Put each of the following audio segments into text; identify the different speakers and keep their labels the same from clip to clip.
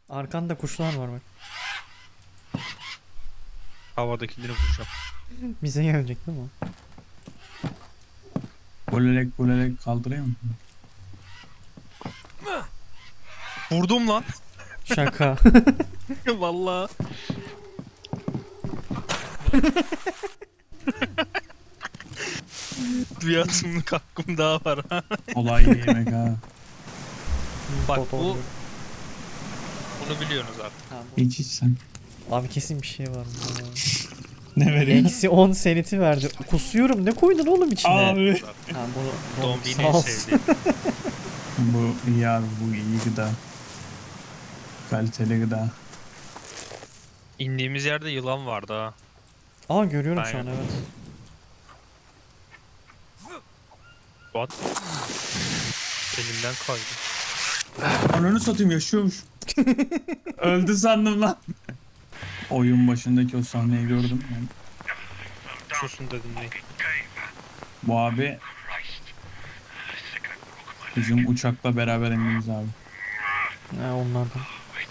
Speaker 1: Arkanda kuşlar var bak.
Speaker 2: Havadakileri vuracağım.
Speaker 1: Bize gelecek değil mi?
Speaker 3: Golelek kaldırayım mı?
Speaker 2: Vurdum lan.
Speaker 1: Şaka.
Speaker 2: Vallahi. Bir atımlık hakkım daha var ha.
Speaker 3: Kolay yemek ha.
Speaker 2: Bak
Speaker 1: Bot
Speaker 2: bu-
Speaker 1: oluyor.
Speaker 2: Bunu biliyorsunuz abi.
Speaker 1: Ha, bu-
Speaker 3: İç sen.
Speaker 1: Abi kesin bir şey var. bunda.
Speaker 3: Ne vereyim?
Speaker 1: Eksi 10 seneti verdi. Kusuyorum. Ne koydun oğlum içine?
Speaker 3: Abi.
Speaker 1: Ha, bunu
Speaker 2: Dombi'nin
Speaker 1: sağ
Speaker 2: en
Speaker 1: olsun.
Speaker 2: sevdiği.
Speaker 3: Bu iyi abi, bu iyi gıda. Kaliteli gıda.
Speaker 2: İndiğimiz yerde yılan vardı ha.
Speaker 1: Aa görüyorum şu an
Speaker 2: Aynen.
Speaker 1: evet.
Speaker 2: What? Elimden kaydı.
Speaker 3: Ananı satayım, yaşıyormuş. Öldü sandım lan. Oyun başındaki o sahneyi gördüm ben.
Speaker 2: Susun dedim ne?
Speaker 3: Bu abi bizim uçakla beraber indiğimiz abi.
Speaker 1: Ha, onlardan.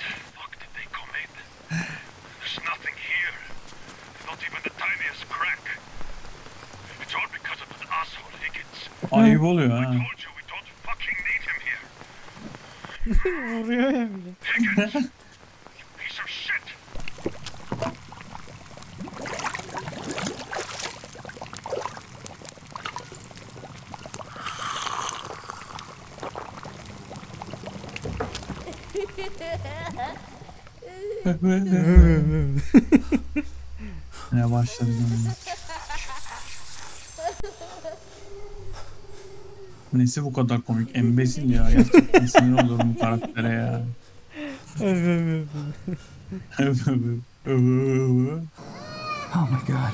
Speaker 3: Ayıp oluyor ha.
Speaker 1: Vuruyor ya bir de.
Speaker 3: Ne başladı lan? Nesi bu kadar komik? Embesil ya. Gerçekten sinir olurum bu karaktere ya.
Speaker 4: Oh my god.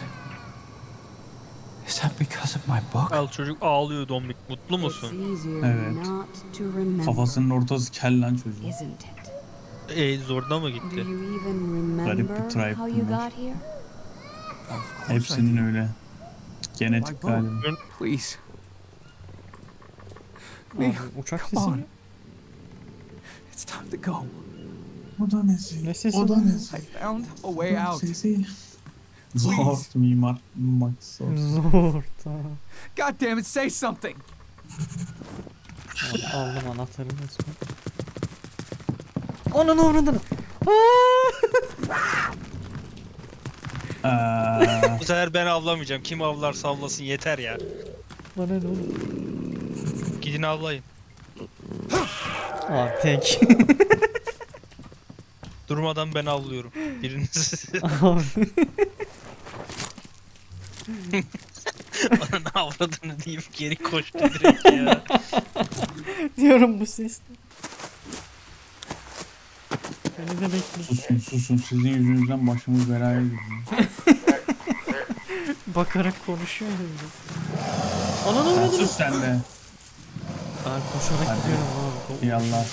Speaker 4: Is that because of my book?
Speaker 2: Al çocuk ağlıyor Dombik. Mutlu musun?
Speaker 3: Evet. Kafasının ortası kel lan çocuğun.
Speaker 5: Isn't it?
Speaker 2: Zoruna mı
Speaker 5: Do
Speaker 2: gitti?
Speaker 5: you even
Speaker 3: Garip bir
Speaker 5: remember
Speaker 3: tribe
Speaker 5: how you
Speaker 3: bunlar.
Speaker 5: got here?
Speaker 4: Of course I
Speaker 3: Hepsinin
Speaker 4: do.
Speaker 3: öyle. Genetik galiba.
Speaker 4: Please.
Speaker 1: Abi, uçak
Speaker 4: Come
Speaker 1: sesi
Speaker 4: on.
Speaker 1: mi?
Speaker 4: It's time to go.
Speaker 3: O da nesi?
Speaker 1: Ne sesi
Speaker 3: O da
Speaker 1: bu?
Speaker 3: nesi?
Speaker 4: I found a way out.
Speaker 3: Sesi. Zor mimar. Max.
Speaker 1: Zor tamam.
Speaker 4: God damn it, say something.
Speaker 1: Abi, aldım anahtarını resmen. Ananı avradını.
Speaker 2: Bu sefer ben avlamayacağım. Kim avlarsa avlasın yeter ya.
Speaker 1: Bana ne oğlum?
Speaker 2: Gidin avlayın.
Speaker 1: Abi tek.
Speaker 2: Durmadan ben avlıyorum. Biriniz
Speaker 1: Abi.
Speaker 2: bana ne avradığını deyip geri koştu direkt ya.
Speaker 1: Diyorum bu sesle. Beni de bekle.
Speaker 3: Susun. Sizin yüzünüzden başımız belaya girdi.
Speaker 1: Bakarak konuşuyor ya bir de. Ananı
Speaker 3: Sen
Speaker 1: avradını.
Speaker 3: sus sen de.
Speaker 1: Ben koşarak
Speaker 3: Hadi.
Speaker 1: gidiyorum abi.
Speaker 3: Yallah.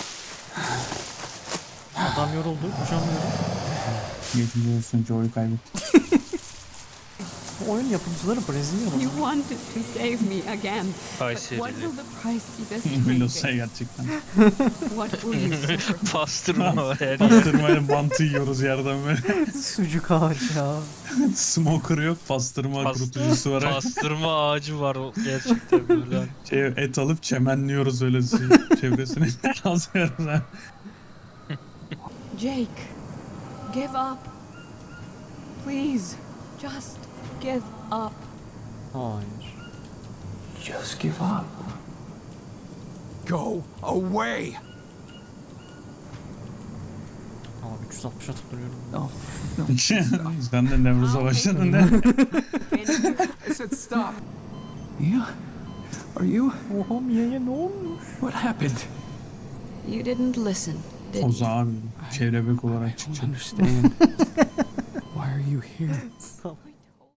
Speaker 1: Adam yoruldu. Koşamıyorum.
Speaker 3: Geçmiş olsun, Joe'yu kaybettik.
Speaker 1: Bu oyun yapımcıları Brezilyalı.
Speaker 6: You wanted to save me again. What
Speaker 2: Kayseri'li.
Speaker 6: will the price be this
Speaker 3: Melos'a
Speaker 6: time?
Speaker 3: gerçekten.
Speaker 6: What will you suffer?
Speaker 2: Pastırma var her yer.
Speaker 3: Pastırmayla bantı yiyoruz yerden böyle.
Speaker 1: Sucuk ağacı ya.
Speaker 3: Smoker yok, pastırma
Speaker 2: Pas-
Speaker 3: kurutucusu var.
Speaker 2: Pastırma ağacı var gerçekten böyle.
Speaker 3: Et alıp çemenliyoruz öyle çevresine. Azıyoruz ha.
Speaker 6: Jake, give up. Please, just give up.
Speaker 1: Hayır.
Speaker 4: Just give up. Go away.
Speaker 1: Abi 360 atıp duruyorum.
Speaker 4: No.
Speaker 3: Sen de Nevruz'a başladın ne?
Speaker 4: I said stop. Yeah? Are you?
Speaker 1: Oha Mia'ya ne olmuş?
Speaker 4: What happened?
Speaker 5: You didn't listen, did you?
Speaker 3: Oza abi. Çevrebek olarak
Speaker 4: I don't
Speaker 3: çıkacak.
Speaker 4: understand. Why are you here?
Speaker 1: Salak.